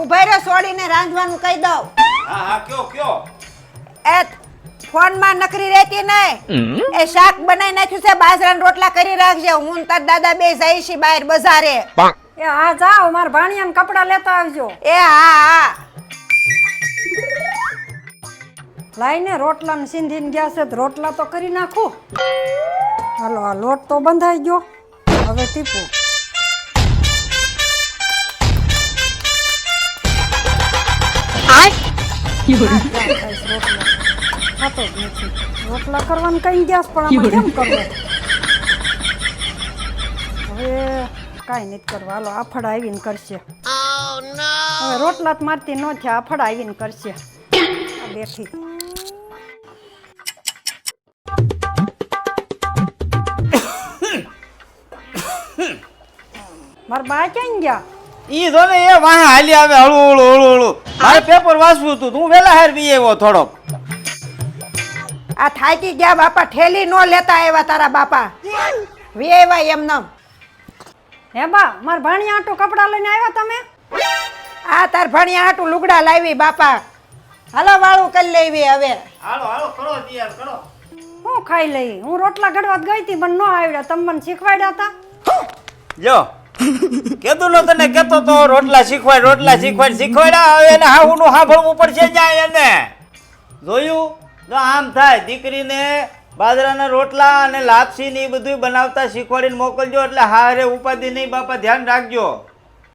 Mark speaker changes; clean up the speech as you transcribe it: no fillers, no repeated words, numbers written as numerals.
Speaker 1: ઉભા રહ્યો છોડીને રાંધવાનું કહી દઉં.
Speaker 2: હા હા કયો
Speaker 1: એ ફોનમાં નકરી રહેતી નહીં. એ શાક બનાવી નાખ્યું છે, બાજરાના રોટલા કરી રાખજે. હું ને તાર દાદા બે જાય છે બહાર બજારે.
Speaker 3: એ હા જાઓ, મારા ભાણિયાને કપડાં લેતા આવજો.
Speaker 1: એ હા.
Speaker 3: લાઈને રોટલા ને સીંધીને ગયા છે તો રોટલા તો કરી નાખું. હાલો, આ લોટ તો બંધાઈ ગયો, હવે ટીપું. થતો જ નથી. રોટલા કરવાનું કઈ ગયા પણ આમાં કેમ કરવું? હવે કાંઈ નથી કરવા. હાલો, આફડા આવીને કરશે. હવે રોટલા જ મારતી ન થયા, આફડા આવીને કરશે. બેઠી મારા બા ક્યાં ગયા?
Speaker 2: ઈ જો ને એ વાહ હાલી આવે હળુ હળુ. મારે પેપર વાંચવું હતું, તું વેલા હાર બી આવ્યો થોડોક.
Speaker 1: આ થાકી ગયા બાપા, ઠેલી નો લેતા આવ્યા તારા બાપા. વેવાય એમનેમ.
Speaker 3: હે બા, મારા ભાણિયા આટું કપડાં લઈને આવ્યા તમે?
Speaker 1: આ તાર ભણિયા હાટું લુગડા લાવી બાપા. હાલો વાળું કરી લેવી હવે.
Speaker 2: હાલો કરો તૈયાર કરો.
Speaker 3: હું ખાઈ લઈ. હું રોટલા ઘડવા ગઈ હતી પણ ન આવડ્યા. તમે મને શીખવાડ્યા હતા.
Speaker 2: જો કેતું ન તને કેતો તો રોટલા શીખવાડ્યા. હવે એને હાહુનું સાંભળવું પડશે. જાય એને જોયું જો આમ થાય. દીકરીને બાજરાના રોટલા અને લાપસી ને એ બધું બનાવતા શીખવાડીને મોકલજો, એટલે હારે ઉપાધિ નહીં બાપા, ધ્યાન રાખજો.